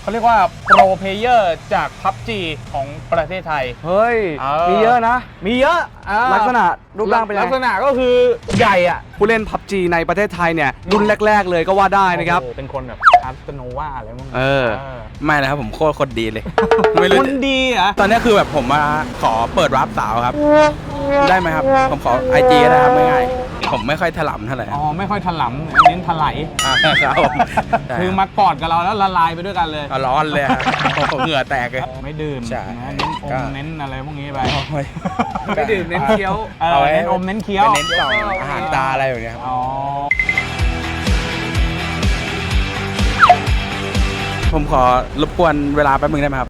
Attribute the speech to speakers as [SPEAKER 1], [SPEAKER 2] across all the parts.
[SPEAKER 1] เขาเรียกว่าโปรเพลเยอร์จาก PUBG ของประเทศไทย
[SPEAKER 2] เฮ้ยมีเยอะนะ
[SPEAKER 1] มีเยอะ
[SPEAKER 2] ลักษณะรูปร่างเป็นยังไง
[SPEAKER 1] ลักษณะก็คือใหญ่อะ
[SPEAKER 2] ผู้เล่น PUBG ในประเทศไทยเนี่ยรุ่นแรกๆเลยก็ว่าได้นะครับ
[SPEAKER 1] เป็นคนแบบคาสโนวาอะไรพวกนี้
[SPEAKER 3] ไม่นะครับผมโคตรดีเลยไม่รู้
[SPEAKER 1] คนดีอ่ะ
[SPEAKER 3] ตอนนี้คือแบบผมมาขอเปิดรับสาวครับได้ไหมครับผมขอ IG ก็ได้ครับง่ายๆผมไม่ค่อยถลำเท่าไหร่
[SPEAKER 1] อ๋อไม่ค่อยถลำเน้นถลาย
[SPEAKER 3] ครับ
[SPEAKER 1] คือมากอดกับเราแล้วละลายไปด้วยกันเลย
[SPEAKER 3] ร้อนเลยผมเหงื่อแตกเลย
[SPEAKER 1] ไม่ดื่มเน้นอมเน้นอะไรพวกนี้ไป
[SPEAKER 2] ไม่ดื่มเน้นเคี้ยว
[SPEAKER 1] เน้นอมเน้นเคี้ยว
[SPEAKER 3] เน้นต่ออาหารตาอะไรอย่างเงี้ยผมขอรบกวนเวลาแป๊บนึงได้ไหมครับ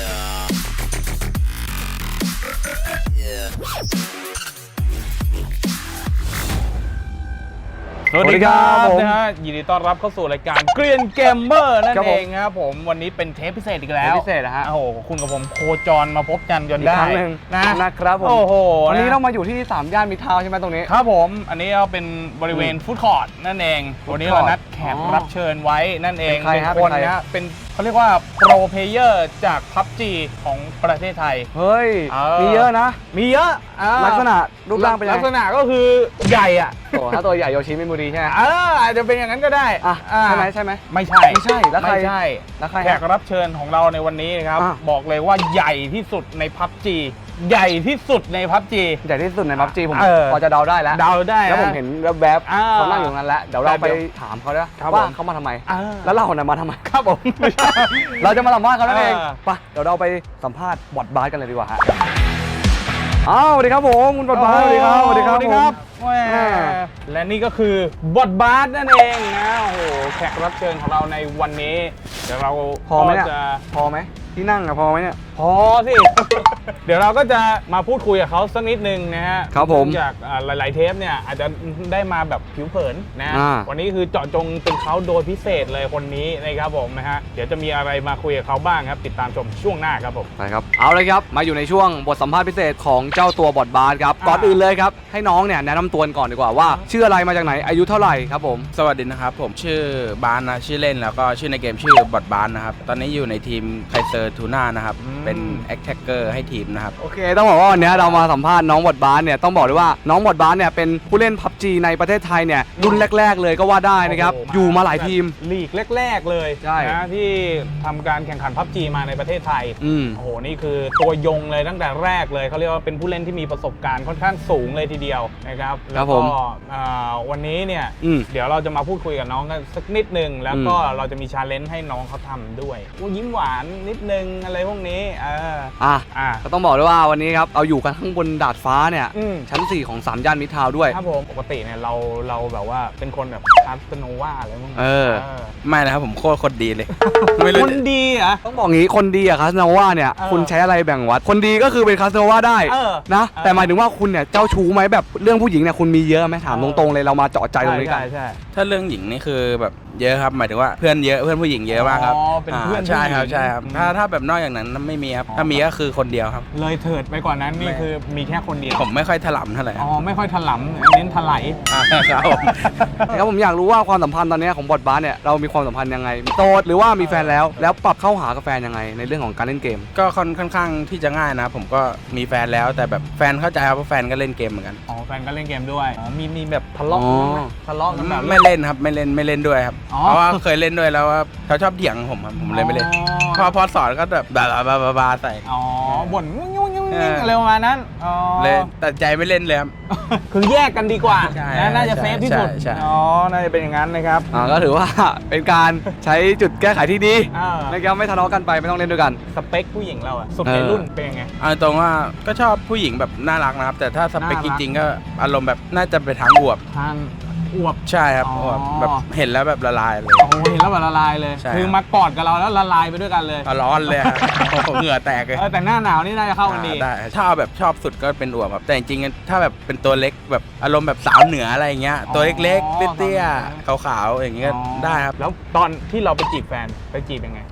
[SPEAKER 1] สวัสดีครับนะฮะยินดีต้อนรับเข้าสู่รายการเกรียนเกมเมอร์นั่นเองครับผมวันนี้เป็นเทปพิเศษอีกแล้ว
[SPEAKER 2] พิเศษนะฮะ
[SPEAKER 1] โอ้โหคุณกับผมโคจรมาพบกันจนได้
[SPEAKER 2] นะครับผม
[SPEAKER 1] โอ้โห
[SPEAKER 2] วันนี้เรามาอยู่ที่3ย่านมิตรทาวน์ใช่ไหมตรงนี้
[SPEAKER 1] ครับผมอันนี้เราเป็นบริเวณฟู้ดคอร์ทนั่นเองวันนี้เรานัดแขกรับเชิญไว้นั่นเองเป็นคนนะเป็นเขาเรียกว่าโปรเพลเยอร์จาก PUBG ของประเทศไทย
[SPEAKER 2] เฮ้ยมีเยอะนะ
[SPEAKER 1] มีเยอะ
[SPEAKER 2] ลักษณะรูปร่างเป็นยังไง
[SPEAKER 1] ลักษณะก็คือใหญ่อะ
[SPEAKER 2] ถ้าตัวใหญ่โยชิมิมูรีใช่ไหม
[SPEAKER 1] อาจจะเป็นอย่างนั้นก็ได้
[SPEAKER 2] ใช่ไหม
[SPEAKER 1] ไม่ใช่
[SPEAKER 2] แล้วใคร
[SPEAKER 1] ไม่ใช่แขกรับเชิญของเราในวันนี้นะครับบอกเลยว่าใหญ่ที่สุดใน PUBG ใหญ่ที่สุดใน PUBG
[SPEAKER 2] ใหญ่ที่สุดใน PUBG ผมพอจะเดาได้แล้วแล้วผมเห็นแวบๆเขานั่งอยู่ตรงนั้นแล้วเดี๋ยวเราไปถามเขาด้วยว่าเขามาทำไมแล้วเราเนี่ยมาทำไม
[SPEAKER 1] ครับผม
[SPEAKER 2] เราจะมาสัมภาษณ์เขานั่นเองไปเดี๋ยวเราไปสัมภาษณ์บอทบาสกันเลยดีกว่าฮะสวัสดีครับผมคุณบอทบาสสวัสดีครับ
[SPEAKER 1] สวัสดีครับและนี่ก็คือบอทบาสนั่นเองนะโอ้โหแขกรับเชิญของเราในวันนี้เดี๋ยวเรา
[SPEAKER 2] พอไหมที่นั่งพอไหมเนี่ย
[SPEAKER 1] พอสิ เดี๋ยวเราก็จะมาพูดคุยกับเขาสักนิดนึงนะฮะ
[SPEAKER 2] ครับผม
[SPEAKER 1] จากหลายๆเทปเนี่ยอาจจะได้มาแบบผิวเผินนะวันนี้คือเจาะจงเป็นเขาโดยพิเศษเลยคนนี้นะครับผมนะฮะเดี๋ยวจะมีอะไรมาคุยกับเขาบ้างครับติดตามชมช่วงหน้าครับผม
[SPEAKER 2] ไปครับเอาเลยครับมาอยู่ในช่วงบทสัมภาษณ์พิเศษของเจ้าตัวบอทบาสครับก่อนอื่นเลยครับให้น้องเนี่ยแนะนำตัวก่อนดีกว่าว่าชื่ออะไรมาจากไหนอายุเท่าไหร่ครับผม
[SPEAKER 3] สวัสดีนะครับผมชื่อบานนะชื่อเล่นแล้วก็ชื่อในเกมชื่อบอทบานนะครับตอนนี้อยู่ในทีมไคเซอร์ทูน่านะครับเป็นแอคแท็กเกอร์ให้ทีมนะครับ
[SPEAKER 2] โอเคต้องบอกว่าวันนี้เรามาสัมภาษณ์น้องบอทบาสเนี่ยต้องบอกเลยว่าน้องบอทบาสเนี่ยเป็นผู้เล่น PUBG ในประเทศไทยเนี่ยรุ่นแรกๆเลยก็ว่าได้นะครับอยู่มาหลายทีม
[SPEAKER 1] ลีกแรกๆเลยนะที่ทำการแข่งขัน PUBG มาในประเทศไทยโอ้โหนี่คือตัวยงเลยตั้งแต่แรกเลยเขาเรียกว่าเป็นผู้เล่นที่มีประสบการณ์ค่อนข้างสูงเลยทีเดียวนะครับแล้วก็วันนี้เนี่ยเดี๋ยวเราจะมาพูดคุยกับน้องกันสักนิดนึงแล้วก็เราจะมีชาเลนจ์ให้น้องเขาทำด้วยยิ้มหวานนิดนึงอะไรพวกนี้
[SPEAKER 2] ก็ต้องบอกเลยว่าวันนี้ครับเอาอยู่กันข้างบนดาดฟ้าเนี่ยชั้น4ของ3ย่านมิตรทาวน์ด้วย
[SPEAKER 1] ครับผมปกติเนี่ยเราแบบว่าเป็นคนแบบคาสโนวาอะไรพวกนี้
[SPEAKER 3] ไม่นะครับผมโคตรดีเลย
[SPEAKER 1] คนดีอ่ะ
[SPEAKER 2] ต้องบอกงี้คนดีอะคาสโนวาเนี่ยคุณใช้อะไรแบ่งวัดคนดีก็คือเป็นคาสโนวาได้นะแต่หมายถึงว่าคุณเนี่ยเจ้าชู้ไหมแบบเรื่องผู้หญิงเนี่ยคุณมีเยอะไหมถามตรงๆเลยเรามาเจาะใจตรงนี้กัน
[SPEAKER 3] ถ้าเรื่องหญิงนี่คือแบบเยอะครับหมายถึงว่าเพื่อนเยอะเพื่อนผู้หญิงเยอะมากครับ
[SPEAKER 1] เป็นเพื่อน
[SPEAKER 3] ใช่ครับถ้าแบบนอกอย่างนั้นไม่มีครับถ้ามีก็คือคนเดียวครับ
[SPEAKER 1] เลยเถิดไปกว่านั้นนี่คือมีแค่คนเดียว
[SPEAKER 3] ผมไม่ค่อยถลำเท่าไหร่
[SPEAKER 1] ไม่ค่อยถลำเน้นถลาย
[SPEAKER 2] ครับผมอยากรู้ว่าความสัมพันธ์ตอนนี้ของบอทบาสเนี่ยเรามีความสัมพันธ์ยังไงโสดหรือว่ามีแฟนแล้วปรับเข้าหากับแฟนยังไงในเรื่องของการเล่นเกม
[SPEAKER 3] ก็ค่อนข้างที่จะง่ายนะผมก็มีแฟนแล้วแต่แบบแฟนเข้าใจครับเพราะแฟนก็เล่นเกมเหมือนกัน
[SPEAKER 1] แฟนก็เล่นเกมด้วยมีแบบทะเลาะกันแบบ
[SPEAKER 3] ไม่เล่นครับไม่เล่นด้วยครับเพราะว่าเคยเล่นด้วยแล้วว่าเขาชอบเถียงผมครับผมเลยไม่เล่นพอสอนก็แบบบาใส่
[SPEAKER 1] บ่นอะไรประมาณนั้น
[SPEAKER 3] เลยตัดใจไม่เล่นเลยครับ
[SPEAKER 1] คือแยกกันดีกว่าน่าจะเซฟที่สุดน่าจะเป็นอย่างนั้นนะครับ
[SPEAKER 2] ก็ถือว่าเป็นการใช้จุดแก้ไขที่ดีนะครับไม่ทะเลาะกันไปไม่ต้องเล่นด้วยกัน
[SPEAKER 1] สเปคผู้หญิงเราอะสุดในรุ่นเป็นยังไง
[SPEAKER 3] ตรงว่าก็ชอบผู้หญิงแบบน่ารักนะครับแต่ถ้าสเปคจริงๆก็อารมณ์แบบน่าจะไปทางอวบใช่ครับแบบเห็นแล้วแบบละลายเลย
[SPEAKER 1] เห็นแล้วแบบละลายเลยคือมากอดกับเราแล้วละลายไปด้วยกันเลย
[SPEAKER 3] ร้อนเลยเหงื่อแตกเลย
[SPEAKER 1] แต่หน้าหนาวนี่น่าจะเข้ากันดี
[SPEAKER 3] ได้ถ้าเอาแบบชอบสุดก็เป็นอวบแต่จริงๆถ้าแบบเป็นตัวเล็กแบบอารมณ์แบบสาวเหนืออะไรเงี้ยตัวเล็กๆเตี้ยๆขาวๆอย่างเงี้ยได้ครับ
[SPEAKER 1] แล้วตอนที่เราไปจีบแฟนไปจีบยังไง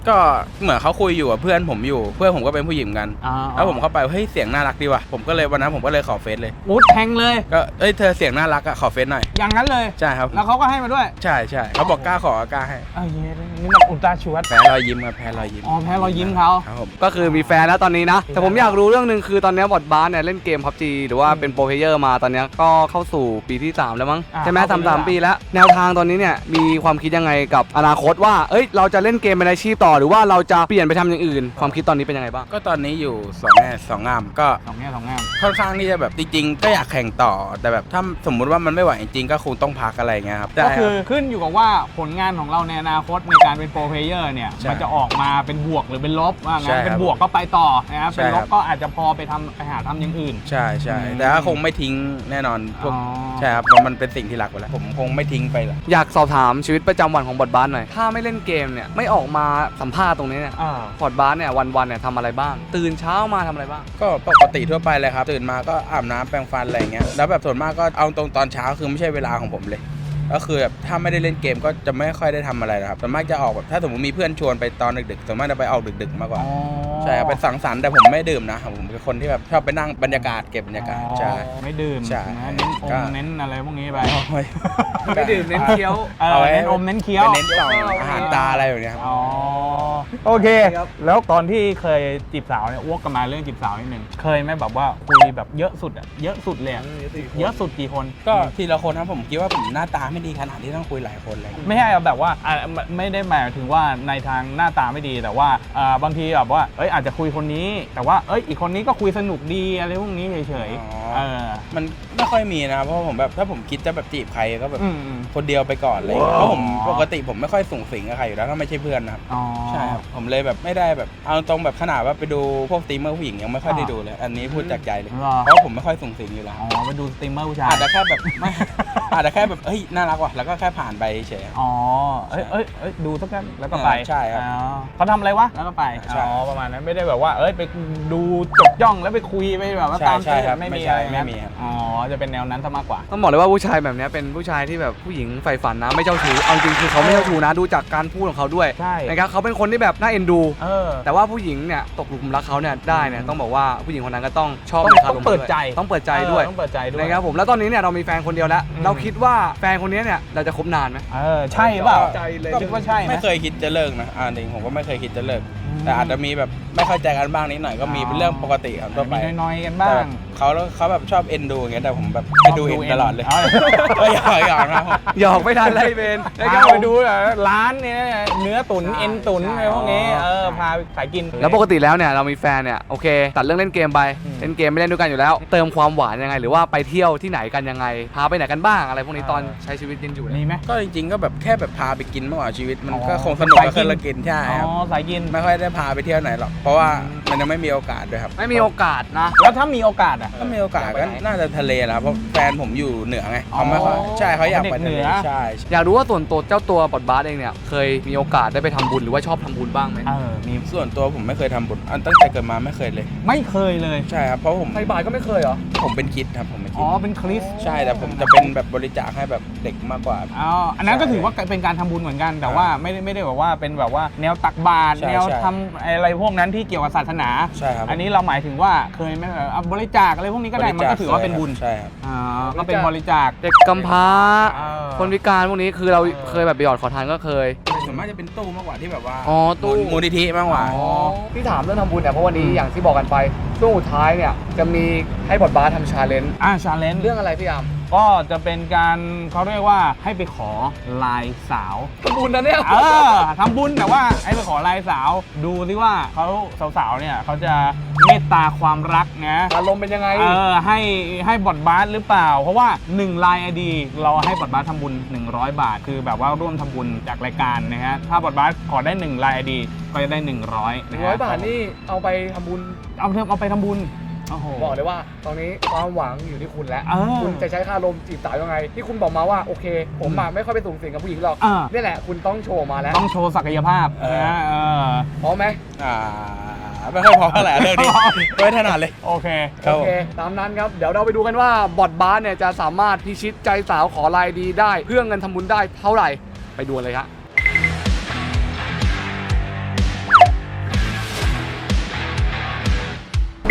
[SPEAKER 3] ก็เหมือนเขาคุยอยู่กับเพื่อนผมอยู่เพื่อนผมก็เป็นผู้หญิงกันแล้วผมเข้าไปเฮ้ยเสียงน่ารักดีว่ะผมก็เลยวันนั้นผมก็เลยขอเฟซเลย
[SPEAKER 1] มุดแทงเลย
[SPEAKER 3] ก็เธอเสียงน่ารักอะขอเฟซหน่อย
[SPEAKER 1] อย่างนั้นเลย
[SPEAKER 3] ใช่ครับ
[SPEAKER 1] แล้วเขาก็ให้มาด้วย
[SPEAKER 3] ใช่เขาบอกกล้าขอกล้าให้
[SPEAKER 1] เย้นี่มันอุลตร้าชวด
[SPEAKER 3] แพ้รอยยิ้มครับแพ้รอยยิ้ม
[SPEAKER 1] แพ้รอยยิ้มเขา
[SPEAKER 3] ครับผม
[SPEAKER 2] ก็คือมีแฟนแล้วตอนนี้นะแต่ผมอยากรู้เรื่องนึงคือตอนนี้บอทบาสเนี่ยเล่นเกม PUBG หรือว่าเป็นโปรเพลเยอร์มาตอนนี้ก็เข้าสู่ปีที่3แล้วมั้งใช่ไหม3 ปีแล้วแนวทางตอนนี้เนี่ยมีความคิดยังไงกับอนาคตว่าเราจะเล่นเกมเป็นอาชีพต่อหรือว่าเราจะเปลี่ยนไปทำอย่างอื่นความคิดตอนนี้เป็นยังไงบ้าง
[SPEAKER 3] ก็ตอนนี้อยู่2 แง่ 2 งามก็
[SPEAKER 1] 2 แง่ 2 งาม
[SPEAKER 3] ค่อนข้างที่จะแบบจริงๆก็อยากแข่งต่อแต่แบบถ้าสมมุติว่ามันไม่ไหวจริงๆก็คงต้องพักอะไรเงี้ยครับ
[SPEAKER 1] ก็คือขึ้นอยู่กับว่าผลงานของเราในอนาคตในการเป็นโปรเพลเยอร์เนี่ยมันจะออกมาเป็นบวกหรือเป็นลบว่างั้นเป็นบวกก็ไปต่อนะครับเป็นลบก็อาจจะพอไปหาทำอย่างอื่น
[SPEAKER 3] ใช่แต่ก็คงไม่ทิ้งแน่นอนพวกใช่ครับมันเป็นสิ่งที่รักไปแล้วผมคงไม่ทิ้งไปหรอก
[SPEAKER 2] อยากสอบถามชีวิตประจำวันของบอทบาสหน่อยถ้าไม่เล่นเกมเนี่ยไม่ออกมาสัมภาษณ์ตรงนี้เนี่ยบอทบาสเนี่ยวันเนี่ยทำอะไรบ้างตื่นเช้ามาทำอะไรบ้าง
[SPEAKER 3] ก็ปกติทั่วไปเลยครับตื่นมาก็อาบน้ำแปรงฟันอะไรเงี้ยแล้วแบบส่วนมากก็เอาตรงตอนเช้าคือไม่ใช่เวลาของผมเลยก็คือแบบถ้าไม่ได้เล่นเกมก็จะไม่ค่อยได้ทำอะไรนะครับส่วนมากจะออกแบบถ้าสมมติมีเพื่อนชวนไปตอนดึกๆส่วนมากจะไปออกดึกๆมากกว่าใช่ครับไปสังสรรค์แต่ผมไม่ดื่มนะผมเป็นคนที่แบบชอบไปนั่งบรรยากาศเก็บบรรยากาศใช่
[SPEAKER 1] ไม่ดื่ม
[SPEAKER 3] ใช่
[SPEAKER 1] เน้นอะไรพวกนี้ไป
[SPEAKER 2] ไม่ดื่มเน้นเคี้ยว
[SPEAKER 1] เอาเน้นเน้นเคี้ยว
[SPEAKER 3] เน้นต่ออาหารตาอะไรแบบนี้ครับ
[SPEAKER 1] โอเคแล้วตอนที่เคยจีบสาวเนี่ยอ้วกกันมาเรื่องจีบสาวนิดนึงเคยไหมแบบว่าคุยแบบเยอะสุดเยอะสุดเลยเยอะสุดกี่คน
[SPEAKER 3] ก็ทีละคนนะผมคิดว่าผมหน้าตาไม่ดีขนาดที่ต้องคุยหลายคนเลย
[SPEAKER 1] ไม่ใช่แบบว่าไม่ได้หมายถึงว่าในทางหน้าตาไม่ดีแต่ว่าบางทีแบบว่าอาจจะคุยคนนี้แต่ว่าอีกคนนี้ก็คุยสนุกดีอะไรพวกนี้เฉย
[SPEAKER 3] ๆมันไม่ค่อยมีนะเพราะผมแบบถ้าผมคิดจะแบบจีบใครก็แบบคนเดียวไปก่อนเลยเพราะผมปกติผมไม่ค่อยสูงสิงกับใครอยู่แล้วถ้าไม่ใช่เพื่อนนะครับใช่ครับผมเลยแบบไม่ได้แบบเอาตรงแบบขนาดว่าไปดูพวกสตรีมเมอร์ผู้หญิงยังไม่ค่อยได้ดูเลยอันนี้พูดจากใจเลยเพราะผมไม่ค่อยสูงสิงอยู่แล้ว
[SPEAKER 1] ไปดูสตรีมเมอร์ผู้ชาย
[SPEAKER 3] อาจจะแค่แบบไม่อาจจะแค่แบบน่ารักว่ะแล้วก็แค่ผ่านไปเฉย
[SPEAKER 1] ดูสักแป๊บแล้วก็ไป
[SPEAKER 3] ใช่ครับ
[SPEAKER 1] เขาทำอะไรวะแล้วก็ไปประมาณนั้นไม่ได้แบบว่าไปดูจดจ้องแล้วไปคุยไปแบบว่าตามใจไม่มีอะไรไม่มีจะเป็นแนวนั้นซะมากกว่า
[SPEAKER 2] ต้องบอกเลยว่าผู้ชายแบบนี้เป็นผู้ชายที่แบบผู้หญิงใฝ่ฝันนะไม่เจ้าชู้เอาจริงคือเขาไม่เจ้าชู้นะดูจากการพูดของเขาด้วยนะครับเขาเป็นคนที่แบบน่าเอ็นดูแต่ว่าผู้หญิงเนี่ยตกหลุมรักเขาเนี่ยได้เนี่ยต้องบอกว่าผู้หญิงคนนั้นก็ต้องชอบ
[SPEAKER 1] ต้องเปิดใจ
[SPEAKER 2] ต้องเปิดใจด้วยนะครับผมแล้วตอนนี้เนี่ยเรามีแฟนคนเดียวแล้วเราคิดว่าแฟนคนนี้เนี่ยเราจะคบนานไหม
[SPEAKER 1] ใช่เปล่าคิดว่าใช่
[SPEAKER 3] ไม่เคยคิดจะเลิกนะจริงผมก็ไม่เคยคิดจะเลิกแต่อาจจะมีแบบไม่เข้าใจกันบ้างนิดหน่อยก็มีเป็นเรื่องปกติครับทั่วไป
[SPEAKER 1] น้อยๆกันบ้าง
[SPEAKER 3] เขาแบบชอบเอ็นดูอย่างเงี้ยแต่ผมแบบไม่ดูเอ็นตลอดเลยหยอกนะ
[SPEAKER 2] หยอกไม่ทันไล่เบน
[SPEAKER 1] ไปดูร้านเนี่ยเนื้อตุ๋นเอ็นตุ๋นอะไรพวกนี้พาขายกิน
[SPEAKER 2] แล้วปกติแล้วเนี่ยเรามีแฟนเนี่ยโอเคตัดเรื่องเล่นเกมไปเล่นเกมไม่เล่นด้วยกันอยู่แล้วเติมความหวานยังไงหรือว่าไปเที่ยวที่ไหนกันยังไงพาไปไหนกันบ้างอะไรพวกนี้ตอนใช้ชีวิตยังอยู่
[SPEAKER 1] มีไหม
[SPEAKER 3] ก็จริงๆก็แบบแค่แบบพาไปกินมากกว่าชีวิตมันก็คงสนุกกับการกินใช่ครับ
[SPEAKER 1] สายกิน
[SPEAKER 3] ไม่ค่อยได้พาไปเที่ยวไหนหรอกเพราะว่ามันยังไม่มีโอกาสด้วยครับ
[SPEAKER 2] ไม่มีโอกาสนะ
[SPEAKER 1] แล้วถ้ามีโอกาส
[SPEAKER 3] ถ้ามีโอกาสก็น่าจะทะเลแล้วเพราะแฟนผมอยู่เหนือไงเขาไม่ค่อยใช่เขาอยากไปทะเลใช่
[SPEAKER 2] อยากรู้ว่าส่วนตัวเจ้าตัวบอทบาสเองเนี่ยเคยมีโอกาสได้ไปทำบุญหรือว่าชอบทำบุญบ้างไหม
[SPEAKER 3] มีส่วนตัวผมไม่เคยทำบุญตั้งแต่เกิดมาไม่เคยเลย
[SPEAKER 1] ไม่เคยเลย
[SPEAKER 3] ใช่ครับเพราะผม
[SPEAKER 2] ใส่บาตรก็ไม่เคยเหรอ
[SPEAKER 3] ผมเป็นคริสต์ครับผมเป็นคริส
[SPEAKER 1] ต์เป็นคริสต์
[SPEAKER 3] ใช่แต่ผมจะเป็นแบบบริจาคให้แบบเด็กมากกว่า
[SPEAKER 1] อันนั้นก็ถือว่าเป็นการทำบุญเหมือนกันแต่ว่าไม่ได้แบบว่าเป็นแบบว่าแนวตักบาตรแนวทำอะไรพวกนั้นที่เกี่ยวกับศาสนา
[SPEAKER 3] ใช่ครับ
[SPEAKER 1] อันนี้เราหมายถึงว่าเคยไหมบริจาคอะไรพวกนี้ก็ได้มันก็ถือว่าเป็นบุญ
[SPEAKER 3] ใช่ครับ
[SPEAKER 1] ก็เป็นบริจาค
[SPEAKER 2] เด็กกำพร้าคนพิการพวกนี้คือเราเคยแบบไปหยอดขอทานก็เคย
[SPEAKER 3] ส่วนมากจะเป็นตู้มากกว่าที่แบบว่า
[SPEAKER 2] ตู้
[SPEAKER 3] มูลนิธิมากกว่า
[SPEAKER 2] ที่ถามเรื่องทำบุญเนี่ยเพราะวันนี้อย่างที่บอกกันไปช่วงสุดท้ายเนี่ยจะมีให้บอทบาสทำชาเลนจ์
[SPEAKER 1] ชาเลนจ์
[SPEAKER 2] เรื่องอะไรพี่อาม
[SPEAKER 1] ก็จะเป็นการเขาเรียกว่าให้ไปขอลายสาว
[SPEAKER 2] ทำบุญนะเนี่ย
[SPEAKER 1] ทำบุญแต่ว่าให้ไปขอลายสาวดูสิว่าเขาสาวๆเนี่ยเขาจะเมตตาความรักนะ
[SPEAKER 2] อารมณ์เป็นยังไง
[SPEAKER 1] ให้บอทบาสหรือเปล่าเพราะว่า1ลาย ID เราให้บอทบาสทำบุญ100 บาทคือแบบว่าร่วมทำบุญจากรายการนะฮะถ้าบอทบาสขอได้1ลาย ID ก็จะได้100นะฮะ
[SPEAKER 2] 100 บาทนี่เอาไปทำบุญ
[SPEAKER 1] เอาไปทำบุญ
[SPEAKER 2] บอกเลยว่าตอนนี้ความหวังอยู่ที่คุณแล้วคุณจะใช้ค่าลมจีบสาวยังไงที่คุณบอกมาว่าโอเคผมไม่ค่อยไปสูงสิงกับผู้หญิงหรอกนี่แหละคุณต้องโชว์มาแล้ว
[SPEAKER 1] ต้องโชว์ศักยภาพนะ
[SPEAKER 2] พร้อมไหม
[SPEAKER 3] ไม่ค่อยพอเท่าไหร่เรื่องนี้ไม่ถนัดเลย
[SPEAKER 1] โอเค
[SPEAKER 2] ตามนั้นครับเดี๋ยวเราไปดูกันว่าบอทบาสเนี่ยจะสามารถพิชิตใจสาวขอลายดีได้เพื่อเงินทำบุญได้เท่าไหร่ไปดูเลยครับ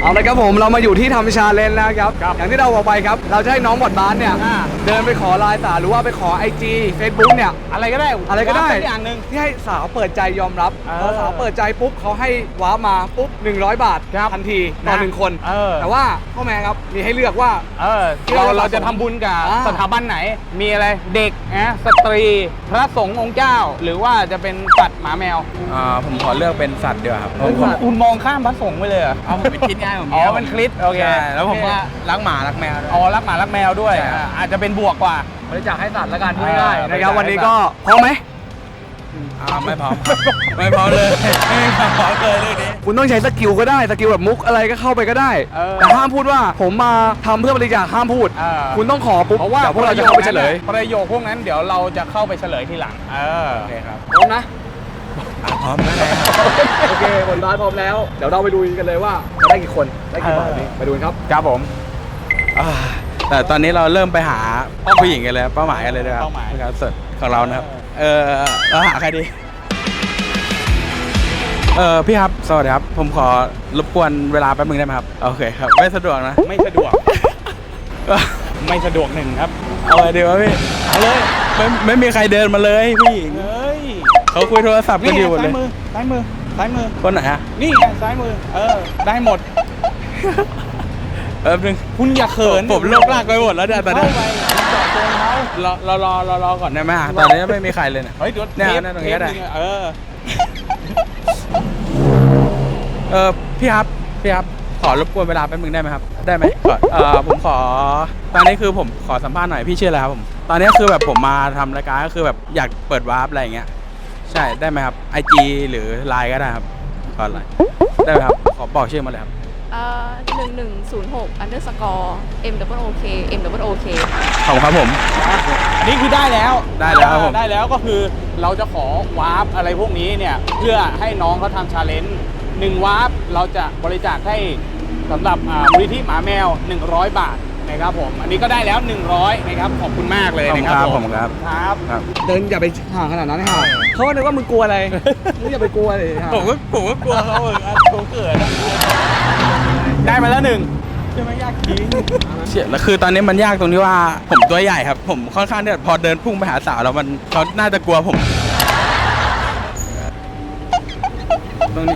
[SPEAKER 2] เอาละครับผมเรามาอยู่ที่ทำชาเลนจ์แล้วครับอย่างที่เราบอกไปครับเราจะให้น้องบอดบาสเนี่ยเดินไปขอไลน์สาวหรือว่าไปขอ IG Facebook เนี่ย
[SPEAKER 1] อะไรก็ได้
[SPEAKER 2] อะไรก็ได้
[SPEAKER 1] สัอย่างหนึ่ง
[SPEAKER 2] ที่ให้สาวเปิดใจยอมรับพอสาวเปิดใจปุ๊บเขาให้ว้ามาปุ๊บ100 บาททันทีต่อ1 คนแต่ว่าพ่อแม่ครับมีให้เลือกว่า
[SPEAKER 1] เราจะทำบุญกับสถาบันไหนมีอะไรเด็กสตรีพระสงฆ์องค์เจ้าหรือว่าจะเป็นสัตว์หมาแมว
[SPEAKER 3] ผมขอเลือกเป็นสัตว์ดีกว่าครับ
[SPEAKER 1] คุณมองข้ามพระสงฆ์ไปเลยเหรอ
[SPEAKER 3] เอาผมเป็นคิดง่ายผม
[SPEAKER 1] เป็นคริสโอเค
[SPEAKER 3] แล้วผมก็รักหมารักแมว
[SPEAKER 1] รักหมารักแมวด้วยอาจจะเป็นบวกกว่า
[SPEAKER 2] บริจาคให้สัตว์ละกันพูดง่ายๆนะครับวันนี้ก็พร้อมไหม
[SPEAKER 3] ไม่พร้อมไม่พร้อมเลยไม่พร้อมเลยเรื่องนี้
[SPEAKER 2] คุณต้องใช้สกิลก็ได้สกิลแบบมุกอะไรก็เข้าไปก็ได้แต่ห้ามพูดว่าผมมาทำเพื่อบริจาคห้ามพูดคุณต้องขอปุ๊บ
[SPEAKER 1] เพราะว่า
[SPEAKER 2] พวกเราจะเข้าไปเฉลย
[SPEAKER 1] ประโยคพวกนั้นเดี๋ยวเราจะเข้าไปเฉลยทีหลัง
[SPEAKER 3] โอเคครับ
[SPEAKER 2] พร้อมนะ
[SPEAKER 3] พร้อมแล้ว
[SPEAKER 2] โอเคบอลบาสพร้อมแล้วเดี๋ยวเราไปดูกันเลยว่าจะได้กี่คนได้กี่บาทนี้ไปดูครับ
[SPEAKER 1] ครับผม
[SPEAKER 3] แต่ตอนนี้เราเริ่มไปหาผู้หญิงกันเลยเป้าหมายกันเลยนะครับสุดของเรานะครับเราหาใครดีพี่ครับสวัสดีครับผมขอรบกวนเวลาแป๊บนึงได้ไหมครับโอเคครับไม่สะดวกนะ
[SPEAKER 1] ไม่สะดวกไม่สะดวกหนึ่งครับ
[SPEAKER 3] เอาเลยดีวะพี่
[SPEAKER 1] เอาเลย
[SPEAKER 3] ไม่มีใครเดินมาเลยผู้หญิงเขาคุยโทรศัพท์กันอยู่หมดเลย
[SPEAKER 1] ซ้ายมือ
[SPEAKER 3] คนไหนฮะ
[SPEAKER 1] นี่ไงซ้ายมือได้หมด
[SPEAKER 3] แป๊บนึง
[SPEAKER 1] คุณอย่าเขิน
[SPEAKER 3] ผมโลกลากไปหมดแล้วเนี่ยตอนนี้
[SPEAKER 1] จอดตรงเขา
[SPEAKER 3] รอก่อนได้ไหมตอนนี้ไม่มีใครเลย
[SPEAKER 1] เฮ้ยเดี๋ยว
[SPEAKER 3] ตรงนี้ได้พี่ครับขอรบกวนเวลาแป๊บนึงได้ไหมครับได้ไหมผมขอตอนนี้คือผมขอสัมภาษณ์หน่อยพี่ชื่ออะไรครับผมตอนนี้คือแบบผมมาทำรายการก็คือแบบอยากเปิดวาร์ปอะไรอย่างเงี้ยใช่ได้ไหมครับ IG หรือ Line ก็ได้ครับขอไลน์ได้ไหมครับขอบอกชื่อมาเลยครับ
[SPEAKER 4] 1106 _MOOK MOOK
[SPEAKER 3] ขอบคุณครับผม
[SPEAKER 1] อันนี้คือได้แล้ว
[SPEAKER 3] ได้แล้ว
[SPEAKER 1] ก็คือเราจะขอวาร์ปอะไรพวกนี้เนี่ยเพื่อให้น้องเขาทำชาเลนจ์1วาร์ปเราจะบริจาคให้สำหรับมูลนิธิหมาแมว100 บาทนะครับผมอันนี้ก็ได้แล้ว100นะครับขอบคุณมากเลยนะครับ
[SPEAKER 3] ผมครับ
[SPEAKER 2] เดินอย่าไปห่างขนาดนั้นให้ห่างเขาคิดว่ามึงกลัวอะไรมึงอย่าไปกลัวเลย
[SPEAKER 3] ผมก็กลัวเขาผมเกิด
[SPEAKER 1] ได้มาแล้ว1
[SPEAKER 3] ใช่ไหมยากจริงเฉียดแล้วคือตอนนี้มันยากตรงที่ว่าผมตัวใหญ่ครับผมค่อนข้างเนี่ยพอเดินพุ่งไปหาสาวแล้วมันเขาน่าจะกลัวผมตรงนี้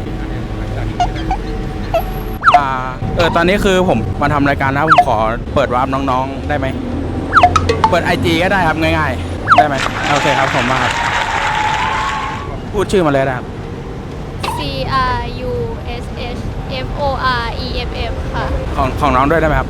[SPEAKER 3] ตอนนี้คือผมมาทำรายการนะผมขอเปิดวาร์ปน้องๆได้ไหมเปิด IG ก็ได้ครับง่ายๆได้ไหมโอเคครับผมมาครับพูดชื่อมาเลยนะครับ
[SPEAKER 4] CRUSHFOREFF ค่ะ
[SPEAKER 3] ของน้องด้วยได้ไหมครับ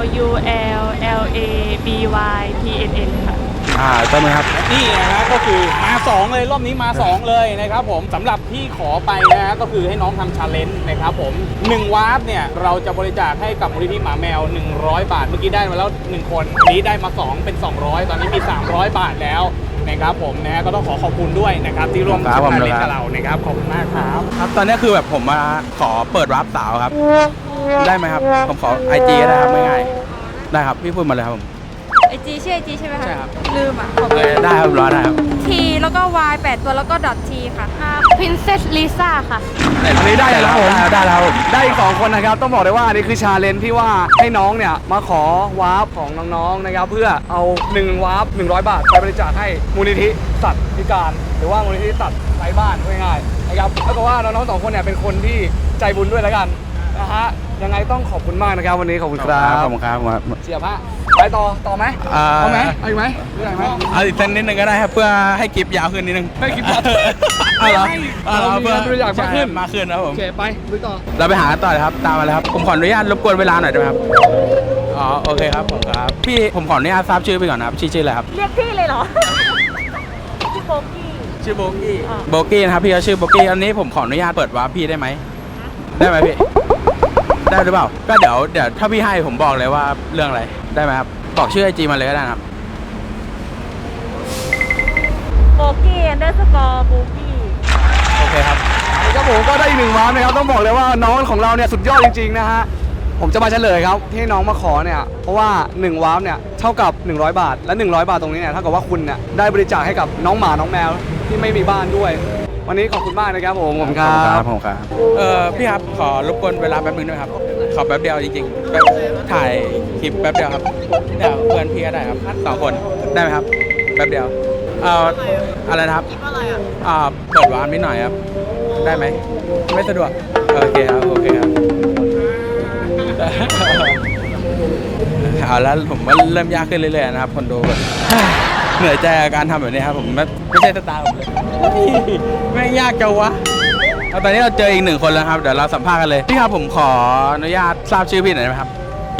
[SPEAKER 4] LULLABYPNN ค่ะ
[SPEAKER 3] ได้ไหมครับ
[SPEAKER 1] นี่นะครับก็คือมา2เลยรอบนี้มา2เลยนะครับผมสำหรับที่ขอไปนะฮะก็คือให้น้องทำชาเลนจ์นะครับผม1วาร์ปเนี่ยเราจะบริจาคให้กับมูลนิธิหมาแมว100 บาทเมื่อกี้ได้มาแล้ว1คนอันนี้ได้มา2เป็น200ตอนนี้มี300 บาทแล้วนะครับผมนะก็ต้องขอบคุณด้วยนะครับที่ร่วมชาเลนจ์กับเรานะครับขอบคุณมากครับ
[SPEAKER 3] ตอนนี้คือแบบผมมาขอเปิดวาร์ปสาวครับได้ไหมครับผมขอ IG ได้ครับง่ายๆได้ครับพี่พูดมาเลยครับผม
[SPEAKER 4] IG ชื่อ IG ใช่ไหมคะ
[SPEAKER 3] ใช่ครับ
[SPEAKER 4] ลืม
[SPEAKER 3] ได้ครับรอได้ครับ
[SPEAKER 4] T แล้วก็ Y 8 ตัวแล้วก็ .T ค่ะ Princess Lisa ค่ะ
[SPEAKER 2] อันนี้ได้แล้วผม
[SPEAKER 3] ได้แล้ว
[SPEAKER 2] ได้อีก2คนนะครับต้องบอกเลยว่าอันนี้คือชาเลนจ์ที่ว่าให้น้องเนี่ยมาขอวาร์ปของน้องๆนะครับเพื่อเอา1วาร์ป100 บาทไปบริจาคให้มูลนิธิสัตว์พิการหรือว่ามูลนิธิสัตว์ไร้บ้านง่ายๆนะครับเท่ากับว่าน้องๆ2คนเนี่ยเป็นคนที่ใจบุญด้วยแล้วกันนะฮะยังไงต้องขอบคุณมากนะครับวันนี้ขอบคุณครับ
[SPEAKER 3] ขอบคุณครับ
[SPEAKER 2] เสียผ้าไปต่อไหมเอาไหมเอาอีกไหม
[SPEAKER 3] เอาอีกสักนิดนึงก็ได้ครับเพื่อให้คลิปยาวขึ้นนิดนึง
[SPEAKER 2] ให้คลิปยาว
[SPEAKER 3] เรา
[SPEAKER 2] เพื่ออยาก
[SPEAKER 3] มาขึ้นนะผม
[SPEAKER 2] โอเคไปดูต่อ
[SPEAKER 3] เราไปหาต่อเลยครับตามมาเลยครับผมขออนุญาตรบกวนเวลาหน่อยได้ไหมครับโอเคครับผมครับพี่ผมขออนุญาตทราบชื่อไปก่อนนะครับชื่ออะไรครับ
[SPEAKER 4] เรียกพี่เลยเหรอชื่อโบกี้
[SPEAKER 3] นะครับพี่เขาชื่อโบกี้อันนี้ผมขออนุญาตเปิดวาร์ปพี่ได้ไหมได้ไหมพี่ได้หรือเปล่าก็เดี๋ยวถ้าพี่ให้ผมบอกเลยว่าเรื่องอะไรได้ไหมครับบอกชื่อ IG มาเลยก็ได้ครับ
[SPEAKER 4] โบกี้_โบกี้
[SPEAKER 3] โอเคครับ
[SPEAKER 2] ครับผมก็ได้อีก1วาร์ปนะครับต้องบอกเลยว่าน้องของเราเนี่ยสุดยอดจริงๆนะฮะผมจะมาเฉลยครับที่น้องมาขอเนี่ยเพราะว่า1วาร์ปเนี่ยเท่ากับ100 บาทและ100 บาทตรงนี้เนี่ยเท่ากับว่าคุณเนี่ยได้บริจาคให้กับน้องหมาน้องแมวที่ไม่มีบ้านด้วยวันนี้ขอบคุณมากนะครับผม
[SPEAKER 3] ครับพี่ครับขอรบกวนเวลาแป๊บนึงด้วยครับขอแป๊บเดียวจริงๆแบบถ่ายคลิปแป๊บเดียวครับเดี๋ยวเพื่อนพี่ก็ได้ครับ2 คนได้ไหมครับแป๊บเดียวอะไรนะครับเปิดวาร์ปนิดหน่อยครับได้ไหมไม่สะดวกโอเคครับโอเคครับ เอาแล้วผมว่าเริ่มยากขึ้นเรื่อยๆนะครับคนดูแบบ เหนื่อยใจกับการทำแบบนี้ครับผมไม่ใช่สไตล์ผมเลยไม่งยากจังวะเอาตอนนี้เราเจออีก1 คนแล้วครับเดี๋ยวเราสัมภาษณ์กันเลยพี่ครับผมขออนุญาตทราบชื่อพี่หน่อยได้ไหมครับ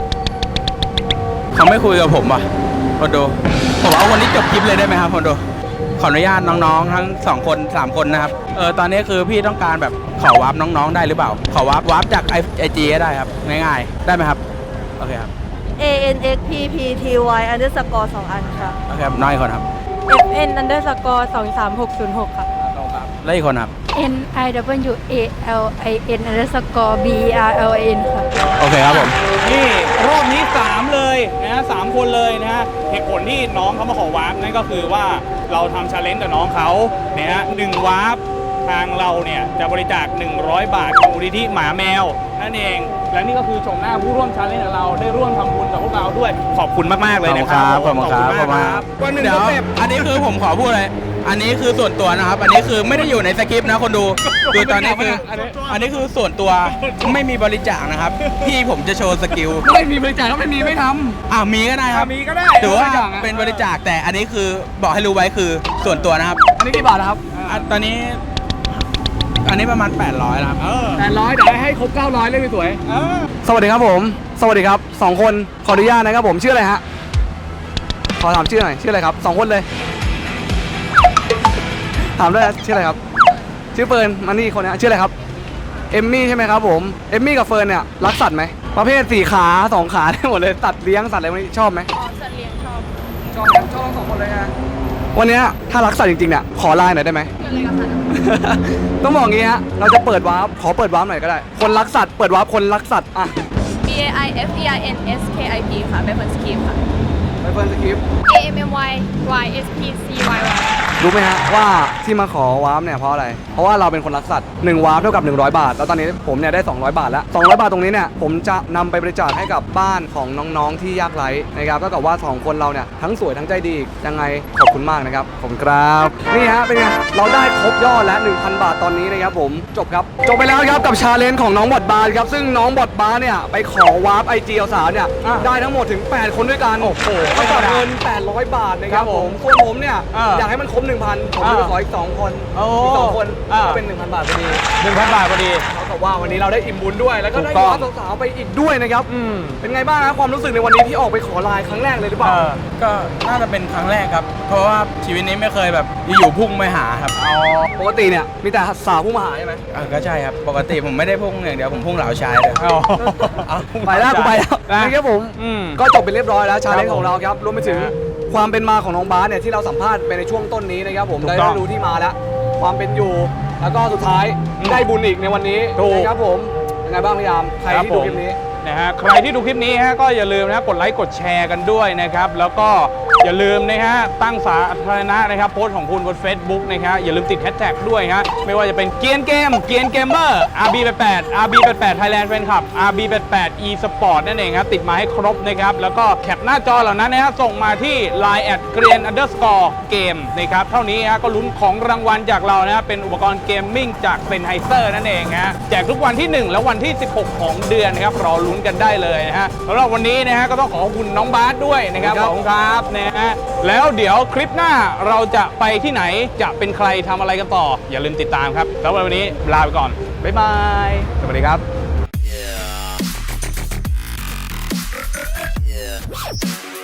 [SPEAKER 3] เขาไม่คุยกับผมว่ะคนดูผมเอาคนที่จบคลิปเลยได้ไหมครับคนดูขออนุญาตน้องๆทั้ง2 คน3 คนนะครับตอนนี้คือพี่ต้องการแบบขอวาร์ปน้องๆได้หรือเปล่าขอวาร์ปจากIGก็ได้ครับง่ายๆได้ไหมครับโอเคครับ
[SPEAKER 5] ANXPPTY underscore 2 อันค่ะ
[SPEAKER 3] โอเคครับน้อยคนครับ
[SPEAKER 5] FN underscore 23606 ค่ะ
[SPEAKER 3] แล้วอีกคนครับ
[SPEAKER 4] NIWALIN underscore BERLIN ค่ะ
[SPEAKER 3] โอเคครับผม
[SPEAKER 1] นี่รอบนี้ 3 เลยนะ3 คนเลยนะฮะเหตุผลที่น้องเขามาขอวาร์ปนั่นก็คือว่าเราทำชาเลนจ์กับน้องเขาเนี่ยฮะ1 วาร์ปทางเราเนี่ยจะบริจาค100 บาทของมูลนิธิหมาแมวนั่นเองและนี่ก็คือชมหน้าผู้ร่วมชาเลนจ์ของเราได้ร่วมทำบุญกับพวกเราด้วยขอบคุณมากๆเลยนะครับ
[SPEAKER 3] ขอบคุณครับ
[SPEAKER 1] ขอบคุณมากครับวันหนึ่ง
[SPEAKER 3] เดี๋ยว
[SPEAKER 1] ก็เสร็จ
[SPEAKER 3] อันนี้คือผมขอพูดเลยอันนี้คือส่วนตัวนะครับ อันนี้คือไม่ได้อยู่ในสคริปต์นะคนดูคือตอนนี้คืออันนี้คือส่วนตัวไม่มีบริจาคนะครับพี่ผมจะโชว์สกิล
[SPEAKER 2] ไม่มีบริจาคก็ไม่มีไม่ทำ
[SPEAKER 3] มีก็ได้ครับ
[SPEAKER 1] มีก็ได้
[SPEAKER 3] ถือว่า
[SPEAKER 2] บริจาคอะ
[SPEAKER 3] เป็นบริจาคแต่อันนี้คือบอกให้รู้ไว้คือส่วนตัวนะครับ
[SPEAKER 2] อันนี้กี่บาทนะครับ
[SPEAKER 3] ตอนนี้อันนี้ประมาณ800นะครับ
[SPEAKER 2] 800เดี๋ยวให้ครบ900เลยสวยสวัสดีครับผม สวัสดีครับ2 คนขออนุญาตนะครับผมชื่ออะไรฮะขอถามชื่อหน่อยชื่ออะไรครับ2 คนเลยถามด้วยนะชื่ออะไรครับชื่อเฟิร์นมานี่คนนี้ชื่ออะไรครับเอมมี่ใช่ไหมครับผมเอมมี่กับเฟิร์นเนี่ยรักสัตว์ไหมประเภท4 ขา2 ขาได้หมดเลยสัตว์เลี้ยงสัตว์อะไรพวกนี้ชอบไหมสัตว์เลี้ยงชอบทั้ง2 คนเลยฮะวันนี้ถ้ารักสัตว์จริงๆเนี่ยขอไลน์หน่อยได้ไหม ต้องบอกงี้ฮะเราจะเปิดวาร์ปขอเปิดวาร์ปหน่อยก็ได้คนรักสัตว์เปิดวาร์ปคนรักสัตว์อ่ะ
[SPEAKER 6] BAIFEINSKIP ค่ะเป็นคนสคริปต์ค่ะ
[SPEAKER 2] ไปเฟิร์นสคริปต์
[SPEAKER 6] AMMYYSPCYY
[SPEAKER 2] รู้ไหมฮะว่าที่มาขอวาร์ปเนี่ยเพราะอะไรเพราะว่าเราเป็นคนรักสัตว์1 วาร์ปเท่ากับ100 บาทแล้วตอนนี้ผมเนี่ยได้200 บาทแล้ว200 บาทตรงนี้เนี่ยผมจะนำไปบริจาคให้กับบ้านของน้องๆที่ยากไร้นะครับก็กับว่า2 คนเราเนี่ยทั้งสวยทั้งใจดียังไงขอบคุณมากนะครับขอบคุณครับนี่ฮะเป็นไงเราได้ครบยอดแล้ว 1,000 บาทตอนนี้นะครับผมจบไปแล้วครับกับชาเลนจ์ของน้องบอดบาร์ครับซึ่งน้องบอดบาร์เนี่ยไปขอวาร์ปIG สาวเนี่ยได้ทั้งหมดถึง8 คนด้วยกันโอ้โหไม่ต่อเงิน800 บาทนะครับผมส่วนผมเนี่ยอยากให้มันครบ 1,000 ผมจะไปขออีก2 คนอีก2 คนก็เป็น 1,000 บาทพอดี
[SPEAKER 1] 1,000 บาทพอดี
[SPEAKER 2] เท่ากับว่าวันนี้เราได้อิ่มบุญด้วยแล้วก็ได้
[SPEAKER 1] ถูกต้อง
[SPEAKER 2] วาร์ปสาวๆไปอีกด้วยนะครับเป็นไงบ้างนะความรู้สึกในวันนี้ที่ออกไปขอไลน์ครั้งแรกเลยหรือเปล่า
[SPEAKER 3] ก็น่าจะเป็นครั้งแรกครับ เพราะว่าชีวิตนี้ไม่เคยแบบอยู่พุ่งไปหาครับ
[SPEAKER 2] ปกติเนี่ยมีแต่สาวผู้มาหาใช่ไหม
[SPEAKER 3] ก็ใช่ครับปกติผมไม่ได้พุ่งอย่างเดียวผมพุ่งเหล่าชายเลย
[SPEAKER 2] ไปแล้วกูไปแล้ว
[SPEAKER 1] นะ
[SPEAKER 2] นะครับผม ก็จบไปเรียบร้อยแล้วชาเลนจ์ของเราครับรวมไปถึงความเป็นมาของน้องบาสเนี่ยที่เราสัมภาษณ์ไปในช่วงต้นนี้นะครับผม
[SPEAKER 1] ถูก
[SPEAKER 2] ได้
[SPEAKER 1] ต้อง
[SPEAKER 2] รู้ที่มาแล้วความเป็นอยู่ แล้วก็สุดท้ายได้บุญอีกในวันนี้
[SPEAKER 1] ถูก
[SPEAKER 2] นะครับผมยังไงบ้างพี่ยามใครที่ดูคลิปนี้
[SPEAKER 1] นะฮะใครที่ดูคลิปนี้ฮะก็อย่าลืมนะกดไลค์กดแชร์กันด้วยนะครับแล้วก็อย่าลืมนะฮะตั้งสาธารณะนะครับโพสต์ของคุณบน Facebook นะครับอย่าลืมติดแฮชแท็กด้วยฮะไม่ว่าจะเป็นเกียนเกมเกียนเกมเมอร์ RB88 RB88 Thailand Fan Club RB88 eSport นั่นเองครับติดมาให้ครบนะครับแล้วก็แคปหน้าจอเหล่านั้นนะฮะส่งมาที่ Line @green_game นะครับเท่านี้ฮะก็ลุ้นของรางวัลจากเรานะเป็นอุปกรณ์เกมมิ่งจากเซนไฮเซอร์นั่นเองฮะแจกทุกวันที่ 1 และวันที่ 16 ของเดือนนะครับรอลุ้นกันได้เลยนะฮะสำหรับวันนี้นะฮะก็ต้องขอบคุณน้องบาสด้วยนะครับขอบคุณครับนะฮะแล้วเดี๋ยวคลิปหน้าเราจะไปที่ไหนจะเป็นใครทำอะไรกันต่ออย่าลืมติดตามครับแล้ววันนี้ลาไปก่อนบ๊ายบายสวัสดีครับ